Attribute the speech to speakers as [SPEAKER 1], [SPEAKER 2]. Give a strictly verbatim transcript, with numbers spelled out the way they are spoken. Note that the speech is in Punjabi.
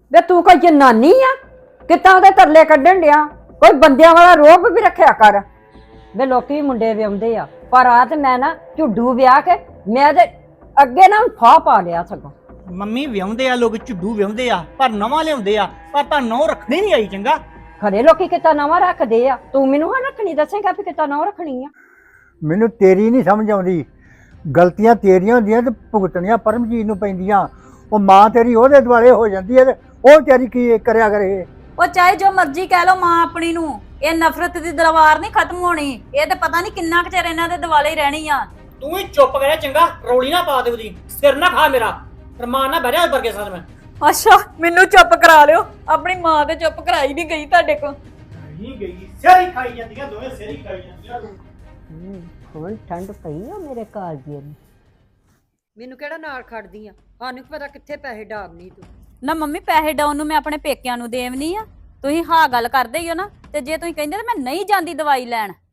[SPEAKER 1] ਵੇ ਤੂੰ ਕੋਈ ਜਨਾਨੀ ਆ ਕਿੱਦਾਂ ਉਹਦੇ ਤਰਲੇ ਕੱਢਣ ਡਿਆ? ਕੋਈ ਬੰਦਿਆਂ ਵਾਲਾ ਰੋਬ ਵੀ ਰੱਖਿਆ ਕਰ। ਵੇ ਲੋਕੀ ਵੀ ਮੁੰਡੇ ਵਿਆਉਂਦੇ ਆ, ਪਰ ਆ ਤੇ ਮੈਂ ਨਾ ਝੁੱਡੂ ਵਿਆਹ ਕੇ ਮੈਂ ਤੇ ਅੱਗੇ ਨਾ ਫਾਹ ਪਾ ਲਿਆ ਸਗੋਂ।
[SPEAKER 2] ਮੰਮੀ ਵਿਆਹੁੰਦੇ ਆ ਲੋਕ, ਝੁੱਡੂ ਵਿਆਹੁੰਦੇ ਆ, ਪਰ ਨਵਾਂ ਲਿਆਉਂਦੇ ਆ, ਪਰ ਤਾਂ ਨੌ ਰੱਖਣੀ ਨਹੀਂ ਆਈ। ਚੰਗਾ
[SPEAKER 1] ਖਰੇ ਲੋਕੀ ਕਿੱਦਾਂ ਨਵਾਂ ਰੱਖਦੇ ਆ, ਤੂੰ ਮੈਨੂੰ ਹਾਂ ਰੱਖਣੀ ਦੱਸੇਗਾ ਵੀ ਕਿੱਦਾਂ ਨਵਾਂ ਰੱਖਣੀ ਆ?
[SPEAKER 3] ਮੈਨੂੰ ਤੇਰੀ ਨਹੀਂ ਸਮਝ ਆਉਂਦੀ। ਗਲਤੀਆਂ ਤੇਰੀਆਂ ਹੁੰਦੀਆਂ ਤੇ ਭੁਗਤਣੀਆਂ ਪਰਮਜੀਤ ਨੂੰ ਪੈਂਦੀਆਂ। ਉਹ ਮਾਂ ਤੇਰੀ ਉਹਦੇ ਦੁਆਲੇ ਹੋ ਜਾਂਦੀ ਹੈ ਤੇ ਉਹ ਵਿਚਾਰੀ ਕੀ ਕਰਿਆ ਕਰੇ।
[SPEAKER 4] ਉਹ ਚਾਹੇ ਜੋ ਮਰਜ਼ੀ ਕਹਿ ਲੋ ਮਾਂ ਆਪਣੀ ਨੂੰ, ਇਹ ਨਫ਼ਰਤ ਦੀ ਦਲਵਾਰ ਨਹੀਂ ਖਤਮ ਹੋਣੀ। ਇਹ ਤੇ ਪਤਾ ਨਹੀਂ ਕਿੰਨਾ ਕੁ ਚਿਰ ਇਹਨਾਂ ਦੇ ਦੁਆਲੇ ਹੀ ਰਹਿਣੀ ਆ।
[SPEAKER 2] ਤੂੰ ਹੀ ਚੁੱਪ ਕਰਿਆ ਚੰਗਾ, ਰੌਲੀ ਨਾ ਪਾ ਦੇ, ਉਹਦੀ ਸਿਰ ਨਾ ਖਾ ਮੇਰਾ, ਰਮਾਨ ਨਾ ਬਹਿ ਵਰਗੇ ਸਾਥ ਮੈਂ।
[SPEAKER 4] ਅੱਛਾ ਮੈਨੂੰ ਚੁੱਪ ਕਰਾ ਲਿਓ, ਆਪਣੀ ਮਾਂ ਤੇ ਚੁੱਪ ਕਰਾਈ ਨਹੀਂ ਗਈ ਤੁਹਾਡੇ ਕੋਲ।
[SPEAKER 2] ਨਹੀਂ ਗਈ, ਸਿਰ ਹੀ ਖਾਈ ਜਾਂਦੀਆਂ ਦੋਵੇਂ, ਸਿਰ ਹੀ ਖਾਈ ਜਾਂਦੀਆਂ।
[SPEAKER 1] ਹੁਣ ਠੰਡ ਪਈ ਆ ਮੇਰੇ ਕਾਲਜੇ ਨੂੰ। ਮੈਨੂੰ ਕਿਹੜਾ ਨਾਲ ਖੜਦੀ ਆ, ਸਾਨੂੰ ਕੀ ਪਤਾ ਕਿੱਥੇ ਪੈਸੇ ਡਾਬਨੀ ਤੂੰ।
[SPEAKER 4] ਨਾ ਮੰਮੀ ਪੈਸੇ ਡਾਉਣ ਨੂੰ ਮੈਂ ਆਪਣੇ ਪੇਕਿਆਂ ਨੂੰ ਦੇਵਨੀ ਆ। ਤੁਸੀਂ ਹਾਂ ਗੱਲ ਕਰਦੇ ਹੀ ਹੋ ਨਾ, ਤੇ ਜੇ ਤੁਸੀਂ ਕਹਿੰਦੇ ਤਾਂ ਮੈਂ ਨਹੀਂ ਜਾਂਦੀ ਦਵਾਈ ਲੈਣ।